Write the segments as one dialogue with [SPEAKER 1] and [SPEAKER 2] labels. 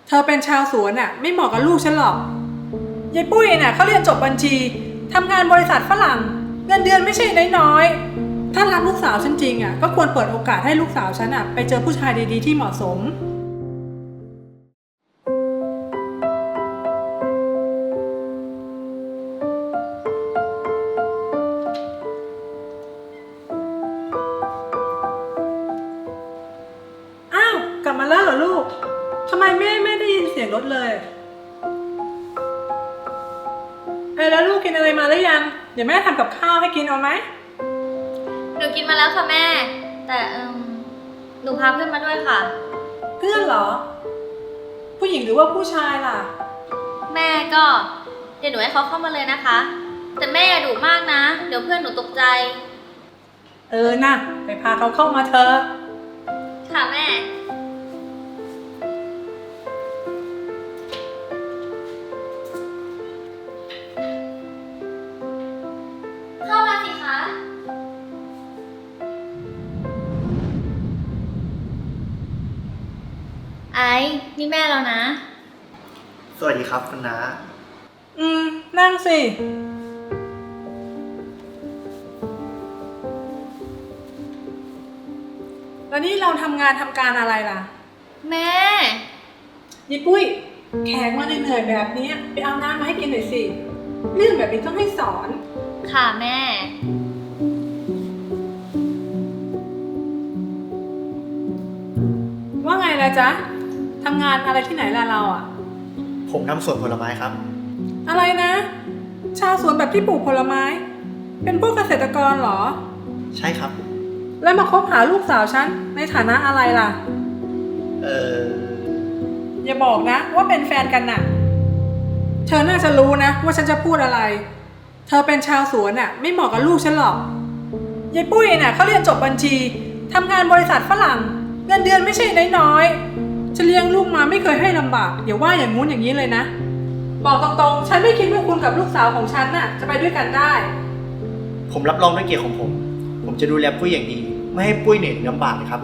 [SPEAKER 1] เธอเป็นชาวสวนน่ะไม่เหมาะกับลูกฉันหรอกยายปุ้ยน่ะเขาเรียนจบบัญชีทำงานบริษัทฝรั่งเงินเดือนไม่ใช่น้อยๆถ้ารักลูกสาวฉันจริงอ่ะก็ควรเปิดโอกาสให้ลูกสาวฉันอ่ะไปเจอผู้ชายดีๆที่เหมาะสมอ้าวกลับมาแล้วเหรอลูกทำไมแม่ไม่ได้ยินเสียงรถเลยแล้วลูกกินอะไรมาหรือยังเดี๋ยวแม่ทำกับข้าวให้กินเอาไหม
[SPEAKER 2] หนูกินมาแล้วค่ะแม่แต่หนูพาเพื่อนมาด้วยค่ะ
[SPEAKER 1] เพื่อนเหรอผู้หญิงหรือว่าผู้ชายล่ะ
[SPEAKER 2] แม่ก็เดี๋ยวหนูให้เขาเข้ามาเลยนะคะแต่แม่อย่าดุมากนะเดี๋ยวเพื่อนหนูตกใจ
[SPEAKER 1] นะไปพาเขาเข้ามาเถอะ
[SPEAKER 2] ค่ะแม่เข้ามาสิคะไอ้นี่แม่เรานะ
[SPEAKER 3] สวัสดีครับคุณน้า
[SPEAKER 1] นั่งสิแล้วนี่เราทำงานทำการอะไรล่ะ
[SPEAKER 2] แม่
[SPEAKER 1] ยี่ปุ้ยแขกมาเหนื่อยๆแบบนี้ไปเอาน้ำมาให้กินหน่อยสิเรื่องแบบนี้ต้องให้สอน
[SPEAKER 2] ค่ะแม่
[SPEAKER 1] ว่าไงล่ะจ๊ะทำงานอะไรที่ไหนล่ะเราอ่ะ
[SPEAKER 3] ผมทำสวนผลไม้ครับ
[SPEAKER 1] อะไรนะชาวสวนแบบที่ปลูกผลไม้เป็นพวกเกษตรกรเหรอ
[SPEAKER 3] ใช่ครับ
[SPEAKER 1] แล้วมาคบหาลูกสาวฉันในฐานะอะไรล่ะอย่าบอกนะว่าเป็นแฟนกันน่ะเธอน่าจะรู้นะว่าฉันจะพูดอะไรเธอเป็นชาวสวนน่ะไม่เหมาะกับลูกฉันหรอกยายปุ้ยน่ะเขาเรียนจบบัญชีทำงานบริษัทฝรั่งเงินเดือนไม่ใช่น้อยๆฉันเลี้ยงลูกมาไม่เคยให้ลำบากอย่าว่าอย่างงู้นอย่างนี้เลยนะบอกตรงๆฉันไม่คิดว่าคุณกับลูกสาวของฉันน่ะจะไปด้วยกันได้
[SPEAKER 3] ผมรับรองด้วยเกียรติของผมจะดูแลปุ้ยอย่างดีไม่ให้ปุ้ยเหนื่อยลำบากเลยครับ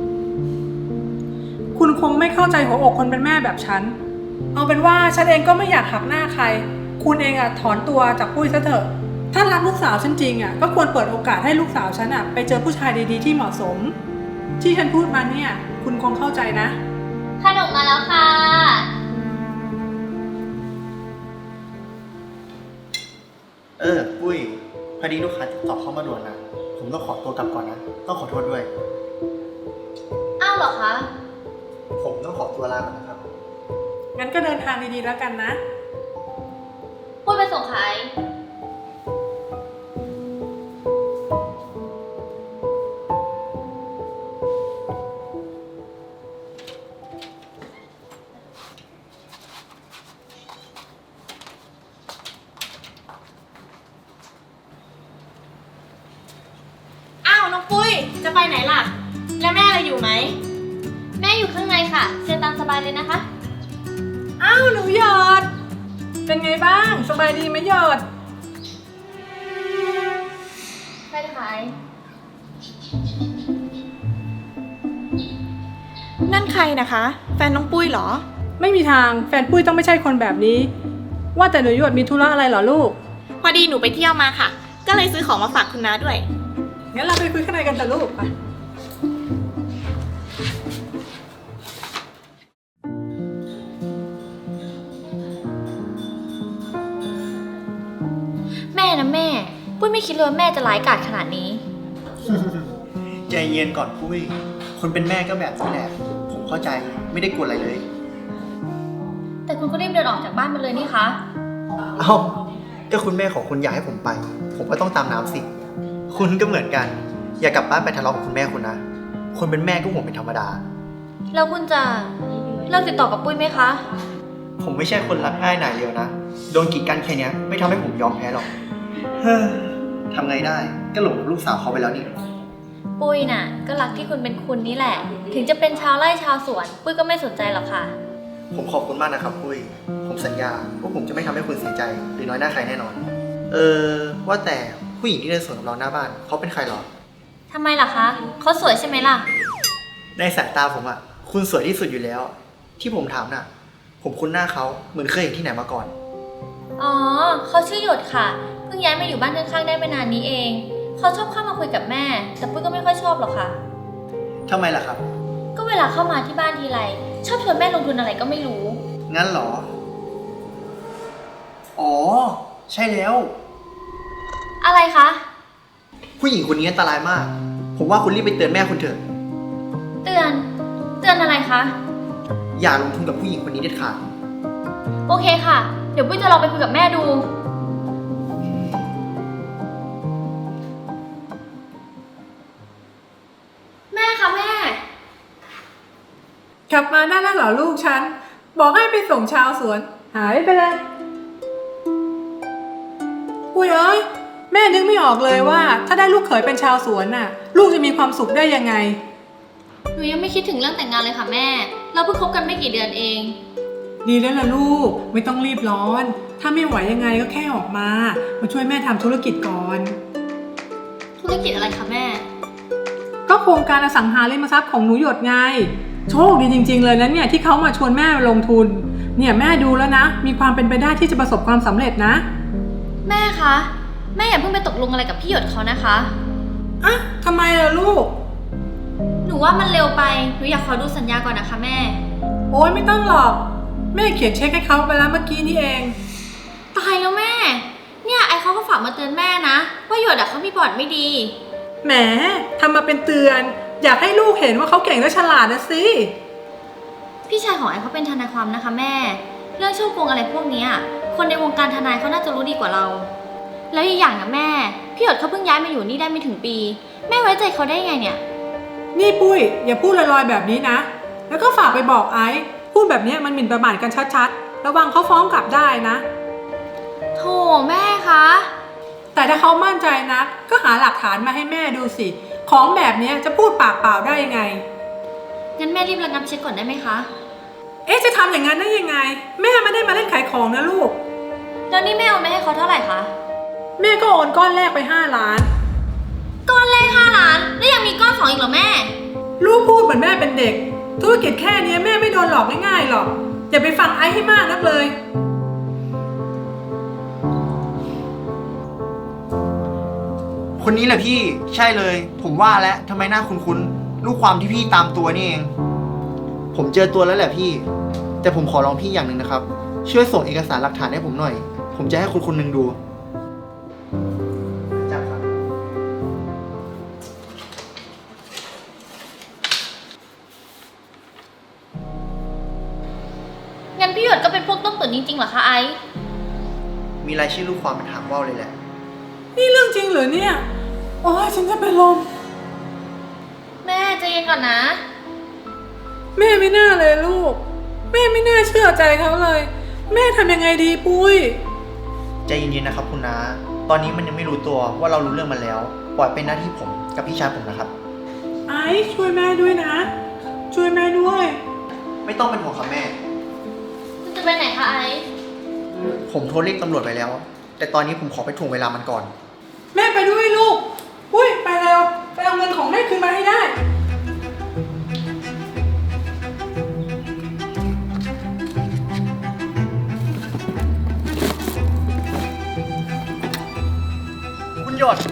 [SPEAKER 1] คุณคงไม่เข้าใจหัวอกคนเป็นแม่แบบฉันเอาเป็นว่าฉันเองก็ไม่อยากหักหน้าใครคุณเองอะถอนตัวจากปุ้ยซะเถอะถ้ารักลูกสาวฉันจริงอะก็ควรเปิดโอกาสให้ลูกสาวฉันอะไปเจอผู้ชายดีๆที่เหมาะสมที่ฉันพูดมาเนี่ยคุณคงเข้าใจนะ
[SPEAKER 2] ขนมมาแล้วค่ะ
[SPEAKER 3] ปุ้ยพอดีลูกค้าติดต่อเข้ามาด่วนนะผมต้องขอตัวกลับก่อนนะต้องขอโทษด้วย
[SPEAKER 2] อ้าวเหรอคะ
[SPEAKER 3] ผมต้องขอตัวลาก่อนนะครับ
[SPEAKER 1] งั้นก็เดินทางดีๆแล้วกันนะ
[SPEAKER 2] พูดไปส่งใคร
[SPEAKER 4] น้องปุ้ยจะไปไหนล่ะแล้วแม่เราอยู่ไหม
[SPEAKER 2] แม่อยู่ข้างในค่ะเชิญตามสบายเลยนะคะ
[SPEAKER 1] อ้าวหนูหยอดเป็นไงบ้างสบายดีไหมหยอด
[SPEAKER 2] ใช่ค่ะ
[SPEAKER 4] นั่นใครนะคะแฟนน้องปุ้ยเหรอ
[SPEAKER 1] ไม่มีทางแฟนปุ้ยต้องไม่ใช่คนแบบนี้ว่าแต่หนูหยอดมีธุระอะไรเหรอลูก
[SPEAKER 4] พอดีหนูไปเที่ยวมาค่ะก็เลยซื้อของมาฝากคุณน้าด้วย
[SPEAKER 1] งั้นเราไปคุยข้างในกันเถอะลูกไป
[SPEAKER 2] แม่นะแม่ปุ้ยไม่คิดเลยว่าแม่จะร้ายกาจขนาดนี้
[SPEAKER 3] ใจเย็นก่อนปุ้ยคนเป็นแม่ก็แบบนี้แหละผมเข้าใจไม่ได้กลัวอะไรเลย
[SPEAKER 2] แต่คุณก็รีบเดินออกจากบ้านมาเลยนี่คะ
[SPEAKER 3] ก็คุณแม่ของคุณอยากให้ผมไปผมก็ต้องตามน้ำสิคุณก็เหมือนกันอย่ากลับบ้านไปทะเลาะกับคุณแม่คุณนะคนเป็นแม่ก็ห่วงเป็นธรรมดา
[SPEAKER 2] แล้วคุณจะเลิกติดต่อกับปุ้ยไหมคะ
[SPEAKER 3] ผมไม่ใช่คนรักง่ายหน่ายเร็วนะโดนกีดกันแค่นี้ไม่ทำให้ผมยอมแพ้หรอกทำไงได้ก็หลงลูกสาวเขาไปแล้วนี่
[SPEAKER 2] ปุ้ยน่ะก็รักที่คุณเป็นคุณนี่แหละถึงจะเป็นชาวไร่ชาวสวนปุ้ยก็ไม่สนใจหรอกค่ะ
[SPEAKER 3] ผมขอบคุณมากนะครับปุ้ยผมสัญญาว่าผมจะไม่ทำให้คุณเสียใจหรือน้อยหน้าใครแน่นอนว่าแต่ผู้หญิงที่เดินสวนกับเราหน้าบ้านเขาเป็นใครหรอ
[SPEAKER 2] ทำไมล่ะคะเขาสวยใช่ไหมล่ะ
[SPEAKER 3] ในสายตาผมอ่ะคุณสวยที่สุดอยู่แล้วที่ผมถามน่ะผมคุ้นหน้าเขาเหมือนเคยเห็นที่ไหนมาก่อน
[SPEAKER 2] อ๋อ เขาชื่อหยดค่ะ เพิ่งย้ายมาอยู่บ้านข้างๆได้ไม่นานนี้เอง เขาชอบเข้ามาคุยกับแม่ แต่ปุ้ยก็ไม่ค่อยชอบหรอกค่ะ
[SPEAKER 3] ทำไมล่ะครับ
[SPEAKER 2] ก็เวลาเข้ามาที่บ้านทีไรชอบชวนแม่ลงทุนอะไรก็ไม่รู้
[SPEAKER 3] งั้นเหรอ อ๋อ ใช่แล้ว
[SPEAKER 2] อะไรคะ
[SPEAKER 3] ผู้หญิงคนนี้อันตรายมาก ผมว่าคุณรีบไปเตือนแม่คุณเถอะ
[SPEAKER 2] เตือนอะไรคะ
[SPEAKER 3] อย่าลงทุนกับผู้หญิงคนนี้เด็ดขาด
[SPEAKER 2] โอเคค่ะ เดี๋ยวปุ้ยจะลองไปคุยกับแม่ดู แม่คะแม่
[SPEAKER 1] กลับมาได้แล้วเหรอลูกฉัน บอกให้ไปส่งชาวสวน หายไปเลยปุ้ยเอ้ยแม่นึกไม่ออกเลยว่า ถ้าได้ลูกเขยเป็นชาวสวนน่ะ ลูกจะมีความสุขได้ยังไง
[SPEAKER 2] หนูยังไม่คิดถึงเรื่องแต่งงานเลยค่ะแม่ เราเพิ่งคบกันไม่กี่เดือนเอง
[SPEAKER 1] ดีแล้วล่ะลูกไม่ต้องรีบร้อน ถ้าไม่ไหวยังไงก็แค่ออกมาช่วยแม่ทำธุรกิจก่อน
[SPEAKER 2] ธุรกิจอะไรคะแม่
[SPEAKER 1] ก็โครงการอสังหาริมทรัพย์ของหนูหยดไง โชคดีจริงๆเลยนะเนี่ยที่เขามาชวนแม่ลงทุน เนี่ยแม่ดูแล้วนะ มีความเป็นไปได้ที่จะประสบความสำเร็จนะ
[SPEAKER 2] แม่คะ แม่อย่าเพิ่งไปตกลงอะไรกับพี่หยดเขานะคะ
[SPEAKER 1] อ่ะทำไมล่ะลูก
[SPEAKER 2] หนูว่ามันเร็วไป หนูอยากขอดูสัญญาก่อนนะคะแม่
[SPEAKER 1] โอ้ยไม่ต้องหรอก แม่เขียนเช็คให้เขาไปแล้วเมื่อกี้นี่เอง
[SPEAKER 2] ตายแล้วแม่ เนี่ยไอเขาก็ฝากมาเตือนแม่นะ ว่าหยดเขามีบอร์ดไม่ดี
[SPEAKER 1] แหมทำมาเป็นเตือน อยากให้ลูกเห็นว่าเขาเก่งและฉลาดนะสิ
[SPEAKER 2] พี่ชายของไอเขาเป็นทนายความนะคะแม่ เรื่องช่อโกงอะไรพวกเนี้ยคนในวงการทนายเขาน่าจะรู้ดีกว่าเรา แล้วอีกอย่างนะแม่ พี่หยดเขาเพิ่งย้ายมาอยู่นี่ได้ไม่ถึงปี แม่ไว้ใจเขาได้ไงเนี่ย
[SPEAKER 1] นี่ปุ้ยอย่าพูดลอยๆแบบนี้นะ แล้วก็ฝากไปบอกไอซ์พูดแบบนี้มันหมิ่นประมาทกันชัดๆ ระวังเขาฟ้องกลับได้นะ
[SPEAKER 2] โธ่แม่คะ
[SPEAKER 1] แต่ถ้าเขามั่นใจนะก็หาหลักฐานมาให้แม่ดูสิ ของแบบนี้จะพูดปากเปล่าได้ยังไง
[SPEAKER 2] งั้นแม่รีบระงับเช็คก่อนได้ไหมคะ
[SPEAKER 1] เอ๊ะจะทำอย่างนั้นได้ยังไง แม่ไม่ได้มาเล่นขายของนะลูก
[SPEAKER 2] แล้วนี่แม่โอนไปให้เขาเท่าไหร่คะ
[SPEAKER 1] แม่ก็โอนก้อนแรกไป5 ล้าน
[SPEAKER 2] ก้อนแรก5 ล้าน แล้วยังมีก้อน2อีกเหรอแม่
[SPEAKER 1] ลูกพูดเหมือนแม่เป็นเด็ก ธุรกิจแค่นี้แม่ไม่โดนหลอกง่ายๆหรอก อย่าไปฟังไอ้ให้มากนักเลย
[SPEAKER 3] คนนี้แหละพี่ ใช่เลย ผมว่าแล้วทำไมหน้าคุ้นๆลูกความที่พี่ตามตัวนี่เอง ผมเจอตัวแล้วแหละพี่ แต่ผมขอร้องพี่อย่างหนึ่งนะครับ ช่วยส่งเอกสารหลักฐานให้ผมหน่อย ผมจะให้คุณคนหนึ่งดูจับครับ
[SPEAKER 2] งั้นพี่หยดก็เป็นพวกต้มตุ๋นจริงๆเหรอคะไอซ์
[SPEAKER 3] มีรายชื่อลูกความเป็นหางว่าวเลยแหละ
[SPEAKER 1] นี่เรื่องจริงเหรอเนี่ย โอ้ยฉันจะเป็นลม
[SPEAKER 2] แม่ใจเย็นก่อนนะ
[SPEAKER 1] แม่ไม่น่าเลยลูก แม่ไม่น่าเชื่อใจเขาเลย แม่ทำยังไงดีปุ้ย
[SPEAKER 3] ใจเย็นๆนะครับคุณน้า ตอนนี้มันยังไม่รู้ตัวว่าเรารู้เรื่องมันแล้ว ปล่อยเป็นหน้าที่ผมกับพี่ชายผมนะครับ
[SPEAKER 1] ไอ้ช่วยแม่ด้วยนะ ช่วยแม่ด้วย
[SPEAKER 3] ไม่ต้องเป็นห่วงครับแม่
[SPEAKER 2] คุณจะไปไหนคะไอซ์
[SPEAKER 3] ผมโทรเรียกตำรวจไปแล้ว แต่ตอนนี้ผมขอไปถ่วงเวลามันก่อน
[SPEAKER 1] แม่ไปด้วยลูก ปุ้ยไปเร็ว ไปเอาเงินของแม่คืนมาให้ได้
[SPEAKER 3] คุณหยด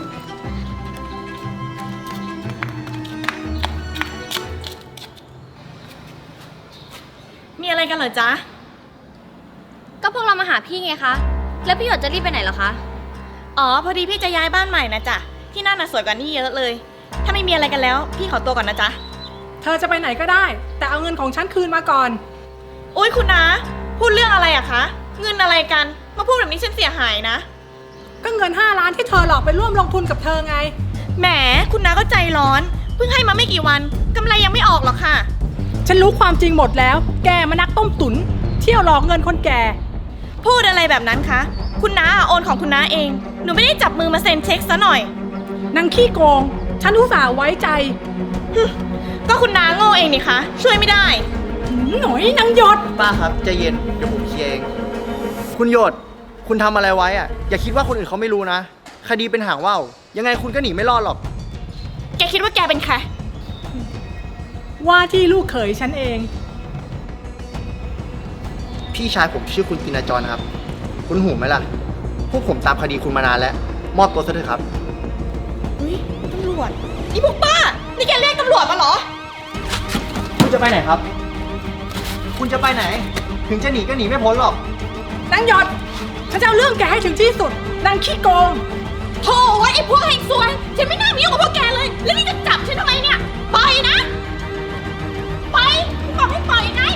[SPEAKER 4] มีอะไรกันเหรอจ๊ะ
[SPEAKER 2] ก็พวกเรามาหาพี่ไงคะ แล้วพี่หยดจะรีบไปไหนเหรอคะ
[SPEAKER 4] อ๋อ พอดีพี่จะย้ายบ้านใหม่นะจ๊ะ ที่นั่นน่ะสวยกว่านี่เยอะเลย ถ้าไม่มีอะไรกันแล้ว พี่ขอตัวก่อนนะจ๊ะ
[SPEAKER 1] เธอจะไปไหนก็ได้ แต่เอาเงินของฉันคืนมาก่อน
[SPEAKER 4] อุ้ยคุณนะพูดเรื่องอะไรอะคะ เงินอะไรกัน มาพูดแบบนี้ฉันเสียหายนะ
[SPEAKER 1] ก็เงิน5 ล้านที่เธอหลอกไปร่วมลงทุนกับเธอไง
[SPEAKER 4] แหม คุณน้าก็ใจร้อน เพิ่งให้มาไม่กี่วันกำไรยังไม่ออกหรอกค่ะ
[SPEAKER 1] ฉันรู้ความจริงหมดแล้ว แกมานักต้มตุ๋นเที่ยวหลอกเงินคนแก่
[SPEAKER 4] พูดอะไรแบบนั้นคะ คุณน้าโอนของคุณน้าเอง หนูไม่ได้จับมือมาเซ็นเช็คซะหน่อย
[SPEAKER 1] นางขี้โกง ฉันอุตส่าห์ไว้ใจ
[SPEAKER 4] ก็คุณน้าโง่เองนี่คะ ช่วยไม่ได้
[SPEAKER 1] หน่อยนางหยด
[SPEAKER 3] ป้าครับใจเย็นเดี๋ยวผมเคลียร์เอง คุณหยด คุณทำอะไรไว้อะอย่าคิดว่าคนอื่นเขาไม่รู้นะ คดีเป็นหางว่าวยังไงคุณก็หนีไม่รอดหรอก
[SPEAKER 4] แกคิดว่าแกเป็นใคร
[SPEAKER 1] ว่าที่ลูกเขยฉันเอง
[SPEAKER 3] พี่ชายผมชื่อคุณตินาจรนะครับ คุณหูไหมล่ะ พวกผมตามคดีคุณมานานแล้ว มอบตัวซะเถอะครับ
[SPEAKER 4] อุ้ยตำรวจนี่พวกป้า นี่แกเรียกตำรวจมาเหรอ
[SPEAKER 3] คุณจะไปไหนครับ คุณจะไปไหน ถึงจะหนีก็หนีไม่พ้นหรอก
[SPEAKER 1] นางหยดฉันจะเอาเรื่องแกให้ถึงที่สุด นางขี้โกง
[SPEAKER 4] โธ่ไอ้พวกเฮงซวย ฉันไม่น่ามียุ่งกับพวกแกเลย แล้วนี่จะจับฉันทำไมเนี่ย ปล่อยนะ ไปบอกให้ปล่อยไง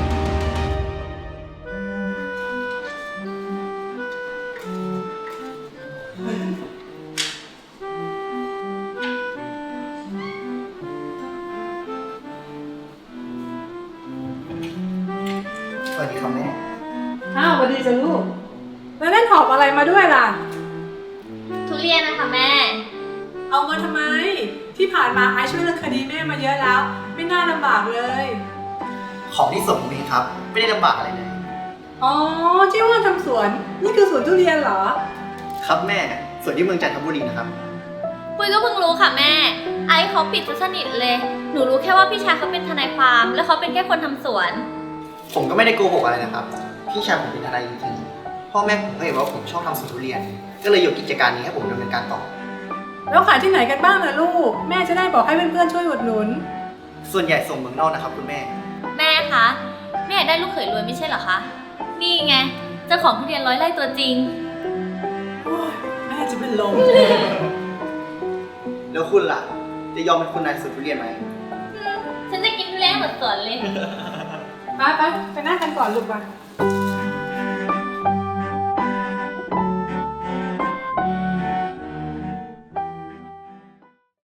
[SPEAKER 3] สวัสดีครับแม่
[SPEAKER 1] อ้าวสวัสดีจ้ะลูก แล้วนั่นหอบอะไรมาด้วยล่ะ
[SPEAKER 2] ทุเรียนนะคะแม่
[SPEAKER 1] เอามาทำไม ที่ผ่านมาไอซ์ช่วยเรื่องคดีแม่มาเยอะแล้ว ไม่น่าลำบากเลย
[SPEAKER 3] ของที่ส่งผมเองครับ ไม่ได้ลำบากอะไรเลย
[SPEAKER 1] อ๋อที่ว่าทำสวน นี่คือสวนทุเรียนเหรอ
[SPEAKER 3] ครับแม่ ส่วนที่เมืองจันทบุรีนะครับ
[SPEAKER 2] ปุ้ยก็เพิ่งรู้ค่ะแม่ ไอซ์เขาปิดซะสนิทเลย หนูรู้แค่ว่าพี่ชายเขาเป็นทนายความ แล้วเขาเป็นแค่คนทำสวน
[SPEAKER 3] ผมก็ไม่ได้โกหกอะไรนะครับ พี่ชายผมเป็นทนายจริงๆพ่อแม่ผมก็เห็นว่าผมชอบทำสวนทุเรียน ก็เลยยกกิจการนี้ให้ผมดำเนินการต่อ
[SPEAKER 1] แล้วขายที่ไหนกันบ้างนะลูก แม่จะได้บอกให้เพื่อนๆช่วยอุดหนุน
[SPEAKER 3] ส่วนใหญ่ส่งเมืองนอกนะครับคุณแม่
[SPEAKER 2] แม่คะ แม่อยากได้ลูกเขยรวยไม่ใช่เหรอคะ นี่ไงเจ้าของทุเรียน100 ไร่ตัวจริง
[SPEAKER 1] โอ้ยแม่จะเป็นลม
[SPEAKER 3] แล้วคุณล่ะ จะยอมเป็นคุณนายสวนทุเรียนไหม
[SPEAKER 2] ฉันจะกินทุเรียนหมดสวนเลย
[SPEAKER 1] ไปนั่งกันก่อนลูกไป